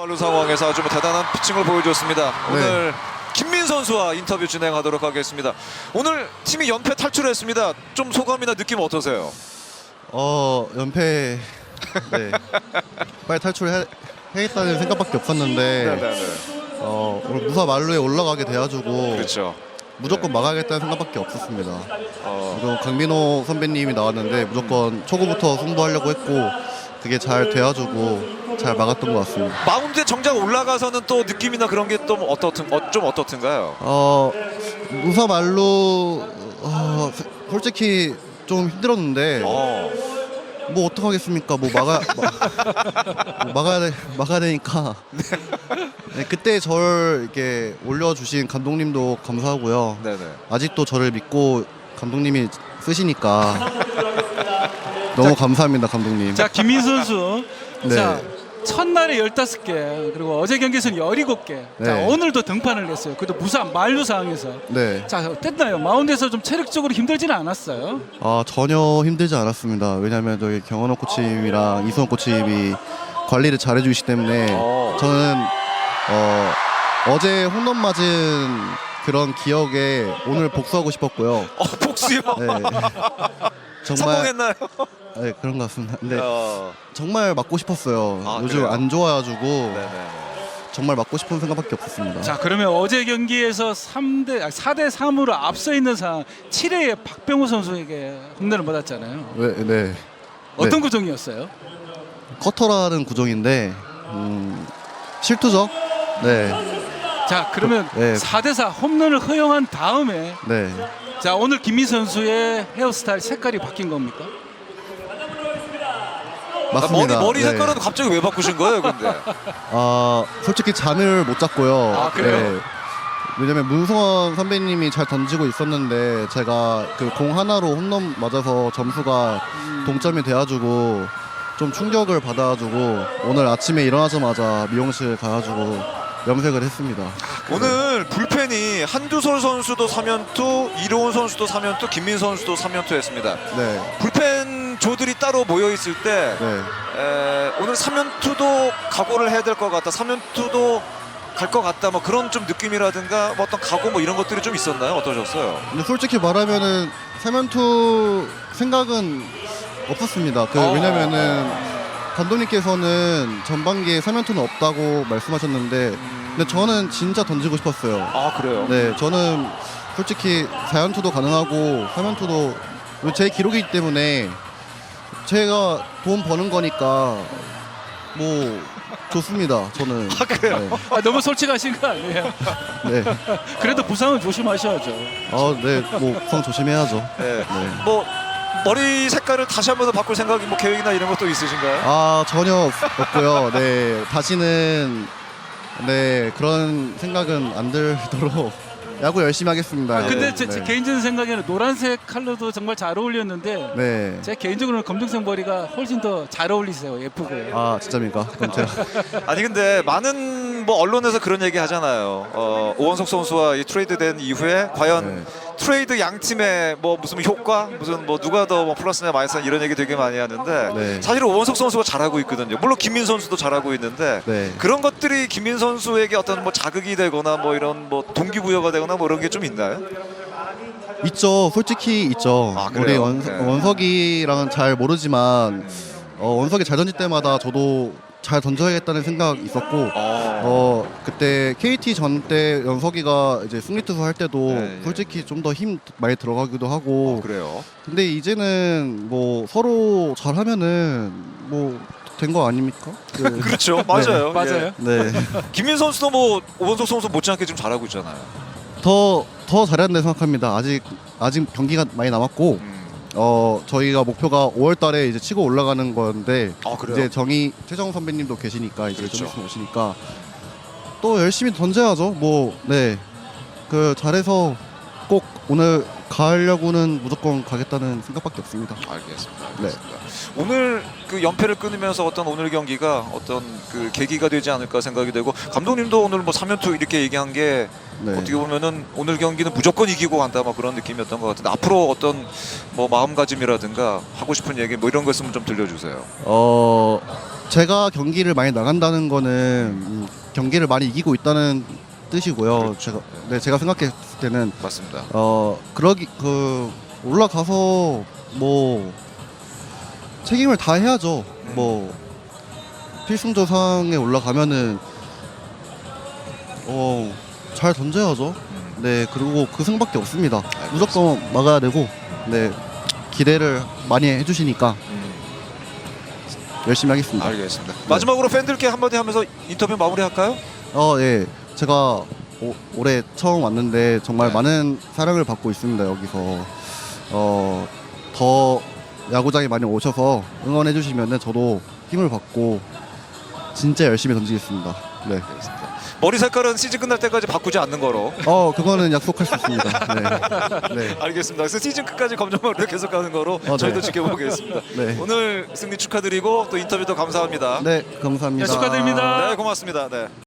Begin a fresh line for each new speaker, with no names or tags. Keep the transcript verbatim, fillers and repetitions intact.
발루 상황에서 아주 뭐 대단한 피칭을 보여줬습니다.
네.
오늘 김민 선수와 인터뷰 진행하도록 하겠습니다. 오늘 팀이 연패 탈출했습니다. 좀 소감이나 느낌 어떠세요?
어 연패 네 빨리 탈출해야겠다는 생각밖에 없었는데
네네네.
어 오늘 무사 만루에 올라가게 돼가지고
그렇죠.
무조건 막아야겠다는 생각밖에 없었습니다.
어,
그리고 강민호 선배님이 나왔는데 무조건 초구부터 승부하려고 했고 그게 잘 돼가지고 잘 막았던 것 같습니다.
마운드에 정작 올라가서는 또 느낌이나 그런 게 또 어떻든 어, 좀 어떻든가요?
어 무사 만루 어, 솔직히 좀 힘들었는데
어,
뭐 어떡하겠습니까? 뭐 막아 마, 뭐 막아야 돼, 막아야 되니까. 네, 그때 저를 이렇게 올려주신 감독님도 감사하고요.
네네.
아직도 저를 믿고 감독님이 쓰시니까 너무 감사합니다, 감독님.
자, 김민 선수.
네.
자, 첫날에 열다섯 개, 그리고 어제 경기에서는 열일곱 개. 자,
네.
오늘도 등판을 했어요. 그래도 무사 만루 상황에서.
네.
자, 어땠나요? 마운드에서 좀 체력적으로 힘들지는 않았어요?
아 전혀 힘들지 않았습니다. 왜냐하면 저희 경원호 코치님이랑 이수원 코치님이 관리를 잘해주시기 때문에
어.
저는 어, 어제 홈런 맞은 그런 기억에 오늘 복수하고 싶었고요.
어, 복수요?
네. 정말
성공했나요?
네, 그런 것 같습니다. 근데
어,
정말 맞고 싶었어요.
아,
요즘
그래요?
안 좋아가지고
네네.
정말 맞고 싶은 생각밖에 없었습니다.
자, 그러면 어제 경기에서 삼 대, 사 대 삼으로 앞서 있는 상황, 칠 회에 박병호 선수에게 홈런을 받았잖아요.
네, 네.
어떤
네.
구종이었어요?
커터라는 구종인데 음, 실투죠. 네,
자, 그러면
네.
사 대 사 홈런을 허용한 다음에
네.
자, 오늘 김민 선수의 헤어스타일 색깔이 바뀐 겁니까?
아, 머리
맞습니다.
머리
네.
색깔은 갑자기 왜 바꾸신 거예요, 근데?
아 솔직히 잠을 못 잤고요.
아, 그래요?
네. 왜냐면 문성원 선배님이 잘 던지고 있었는데 제가 그 공 하나로 홈런 맞아서 점수가 동점이 돼가지고 좀 충격을 받아가지고 오늘 아침에 일어나자마자 미용실 가가지고 염색을 했습니다.
오늘 불펜이 한두솔 선수도 삼 연투, 이로운 선수도 삼 연투, 김민 선수도 삼 연투 했습니다.
네,
불펜 조들이 따로 모여 있을 때
네.
에, 오늘 삼 연투도 각오를 해야 될 것 같다, 삼 연투도 갈 것 같다, 뭐 그런 좀 느낌이라든가 뭐 어떤 각오 뭐 이런 것들이 좀 있었나요? 어떠셨어요?
근데 솔직히 말하면은 세면투 생각은 없었습니다. 그
어.
왜냐면은 감독님께서는 전반기에 세면투는 없다고 말씀하셨는데 근데 저는 진짜 던지고 싶었어요.
아, 그래요?
네, 저는 솔직히 사 연투도 가능하고 삼 연투도 제 기록이기 때문에 제가 돈 버는 거니까 뭐 좋습니다. 저는.
아, 그래요?
아, 너무 솔직하신 거 아니에요?
네. 네.
그래도 부상은 조심하셔야죠.
아, 네. 뭐 부상 조심해야죠.
네.
네.
뭐 머리 색깔을 다시 한 번 더 바꿀 생각이 뭐 계획이나 이런 것도 있으신가요?
아 전혀 없- 없고요. 네 다시는 네 그런 생각은 안 들도록 야구 열심히 하겠습니다.
아, 근데
네,
제, 제
네.
개인적인 생각에는 노란색 컬러도 정말 잘 어울렸는데
네.
제 개인적으로는 검정색 머리가 훨씬 더 잘 어울리세요. 예쁘고요.
아 진짜입니까? 그럼 제가
아니 근데 많은 뭐 언론에서 그런 얘기 하잖아요. 어, 오원석 선수와 이 트레이드된 이후에 과연
네.
트레이드 양 팀의 뭐 무슨 효과, 무슨 뭐 누가 더 뭐 플러스냐 마이너스냐 이런 얘기 되게 많이 하는데
네.
사실 오원석 선수가 잘하고 있거든요. 물론 김민 선수도 잘하고 있는데
네.
그런 것들이 김민 선수에게 어떤 뭐 자극이 되거나 뭐 이런 뭐 동기부여가 되거나 뭐 이런 게 좀 있나요?
있죠. 솔직히 있죠.
아,
우리
그래요?
원,
네.
원석이랑은 잘 모르지만 어, 원석이 잘 던질 때마다 저도 잘 던져야겠다는 생각 있었고
어.
어 그때 케이티 전 때 연석이가 이제 승리 투수 할 때도
네, 예.
솔직히 좀 더 힘 많이 들어가기도 하고
그래요.
근데 이제는 뭐 서로 잘하면은 뭐 된 거 아닙니까? 그,
그렇죠. 맞아요. 예.
맞아요.
네.
김민 선수도 뭐 오원석 선수 못지않게 좀 잘하고 있잖아요.
더 더 잘해야 된다고 생각합니다. 아직 아직 경기가 많이 남았고
음.
어 저희가 목표가 오월 달에 이제 치고 올라가는 건데
아, 그래요?
이제 정희 최정 선배님도 계시니까 이제
그렇죠.
좀 있으면 오시니까 또 열심히 던져야죠. 뭐 네. 그 잘해서 꼭 오늘 가려고는 무조건 가겠다는 생각밖에 없습니다.
알겠습니다.
네.
알겠습니다. 오늘 그 연패를 끊으면서 어떤 오늘 경기가 어떤 그 계기가 되지 않을까 생각이 되고 감독님도 오늘 뭐 삼 연투 이렇게 얘기한 게
네.
어떻게 보면은 오늘 경기는 무조건 이기고 간다 뭐 그런 느낌이었던 것 같은데 앞으로 어떤 뭐 마음가짐이라든가 하고 싶은 얘기 뭐 이런 거 있으면 좀 들려주세요.
어 제가 경기를 많이 나간다는 거는 음, 경기를 많이 이기고 있다는 뜻이고요.
그렇죠.
제가 네 제가 생각했을 때는
맞습니다.
어 그러기 그 올라가서 뭐 책임을 다 해야죠.
음.
뭐 필승조상에 올라가면은 어 잘 던져야죠.
음.
네 그리고 그 승밖에 없습니다.
알겠습니다.
무조건 막아야 되고 네 기대를 많이 해주시니까
음.
열심히 하겠습니다.
알겠습니다. 마지막으로 팬들께 한마디 하면서 인터뷰 마무리할까요?
어, 예. 제가 오, 올해 처음 왔는데 정말
네.
많은 사랑을 받고 있습니다. 여기서 어, 더 야구장에 많이 오셔서 응원해 주시면은 저도 힘을 받고 진짜 열심히 던지겠습니다. 네.
알겠습니다. 머리 색깔은 시즌 끝날 때까지 바꾸지 않는 거로.
어, 그거는 약속할 수 있습니다. 네. 네.
알겠습니다. 그래서 시즌 끝까지 검정머리를 계속 가는 거로
네.
저희도 지켜보겠습니다.
네.
오늘 승리 축하드리고 또 인터뷰도 감사합니다.
네, 감사합니다.
네, 축하드립니다.
네, 고맙습니다. 네.